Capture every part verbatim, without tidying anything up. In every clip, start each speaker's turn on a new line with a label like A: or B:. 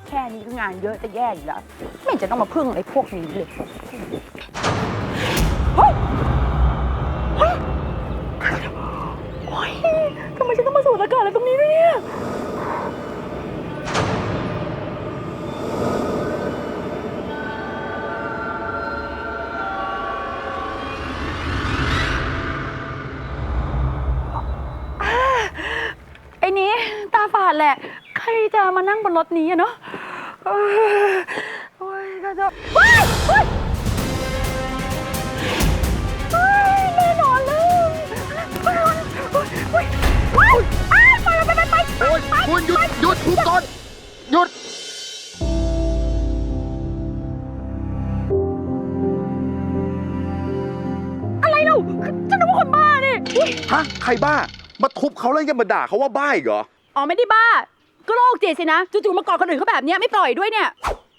A: แค่นี้ก็งานเยอะจะแย่อยู่แล้วไม่เห็นจะต้องมาพึ่งไอ้พวกนี้เลยเฮ้ยเฮ้ยโอ๊ยทำไมฉันต้องมาสูดอากาศอะไรตรงนี้ด้วยเนี่ยไอ้นี้ตาฝาดแหละใครจะมานั่งบนรถนี้อะเนาะโอ้ยก็จะว้ายว้ายแน่นอนเลยว้ายว้ายว้ายไปไปไปไปโอ้ย
B: คุณหยุดหยุดทุบก่อนหยุด
A: อะไรเล่าฉันนึกว่าคนบ้านี่
B: ฮะใครบ้ามาทุบเขาแล้วยังมาด่าเขาว่าบ้าอีกเหรอ
A: อ๋อไม่ได้บ้าก็โรคจิตสินะจู่ๆมากอดคนอื่นเขาแบบนี้ไม่ปล่อยด้วยเนี่ย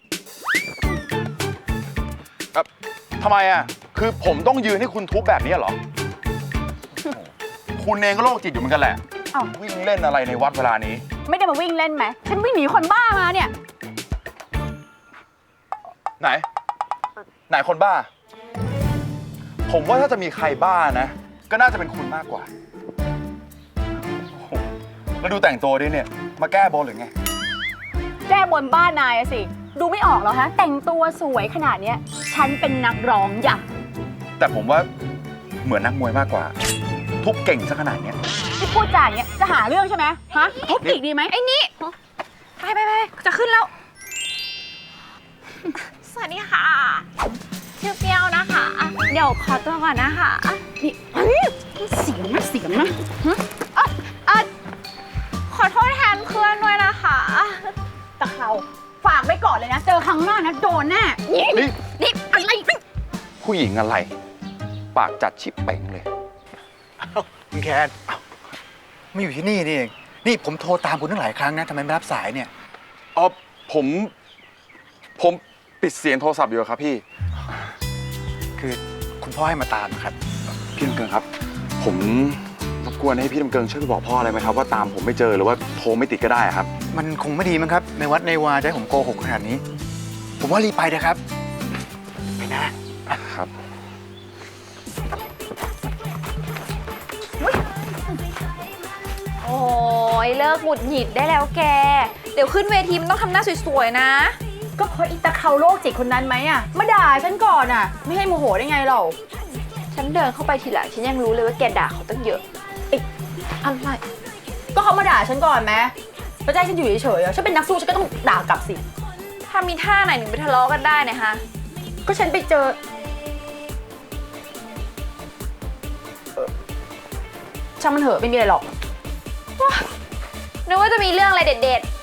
B: ทำไมอ่ะคือผมต้องยืนให้คุณทุบแบบนี้เหรอคุณเองก็โรคจิตอยู่เหมือนกันแหละวิ่งเล่นอะไรในวัดเวลานี้
A: ไม่ได้มาวิ่งเล่นไหมฉันวิ่งหนีคนบ้ามาเนี่ย
B: ไหนไหนคนบ้าผมว่าถ้าจะมีใครบ้านะก็น่าจะเป็นคุณมากกว่าแล้วดูแต่งตัวดิเนี่ยมาแก้บนหรือไง
A: แก้บนบ้านนายอะสิดูไม่ออกหรอฮะแต่งตัวสวยขนาดเนี้ยฉันเป็นนักร้องอย่า
B: แต่ผมว่าเหมือนนักมวยมากกว่าทุบเก่งซะขนาดเนี้ย
A: ที่พูดจาอย่างเงี้ยจะหาเรื่องใช่ไหมฮะทุบอีกดีไหมไอ้นี่ไปไปไปจะขึ้นแล้ว
C: สวัสดีค่ะชื่อเปรี้ยวนะคะเดี๋ยวขอตัวก่อนนะคะ
A: นี่เสียงนะเสียงนะฮะ
C: อ่ะอ่ะขอโทษแทนเพื่อนด้วยนะคะ
A: ตะเขาฝากไว้ก่อนเลยนะเจอครั้งหน้านะโดนแน่นี่นี่อะไร
B: ผู้หญิงอะไรปากจัดชิบเป่งเลย
D: คุณแคนไม่อยู่ที่นี่นี่เองนี่ผมโทรตามคุณตั้งหลายครั้งนะทำไมไม่รับสายเนี่ย
B: อ๋อผมผมปิดเสียงโทรศัพท์อยู่ครับพี่
D: คือคุณพ่อให้มาตามครับ
B: พี่ลำเกิงครับผมรบกวนให้พี่ลำเกิงช่วยบอกพ่ออะไรไหมครับว่าตามผมไม่เจอหรือว่าโทรไม่ติดก็ได้ครับ
D: มันคงไม่ดีมั้งครับในวัดในวาจะให้ผมโกหกขนาดนี้ผมว่ารีบไปนะครับไปนะครับ
C: โอ้ยเลิกหงุดหงิดได้แล้วแกเดี๋ยวขึ้นเวทีมันต้องทำหน้าสวยๆนะ
A: ก็เพราะอีตาเขาโรคจิตคนนั้นไหมอ่ะมาด่าฉันก่อนอ่ะไม่ให้โมโหได้ไงเรา
C: ฉันเดินเข้าไปทีหลังฉันยังรู้เลยว่าแกด่าเขาตั้งเยอะ
A: ไอ้อะไรก็เขามาด่าฉันก่อนไหมแล้วจะให้ฉันอยู่เฉยๆอ่ะฉันเป็นนักสู้ฉันก็ต้องด่ากลับสิ
C: ถ้ามีท่าไหนหนึ่งไปทะเลาะกันได้เนี่ยฮะ
A: ก็ฉันไปเจอช่างมันเถอะไม่มีอะไรหรอก
C: นึกว่าจะมีเรื่องอะไรเด็ดๆ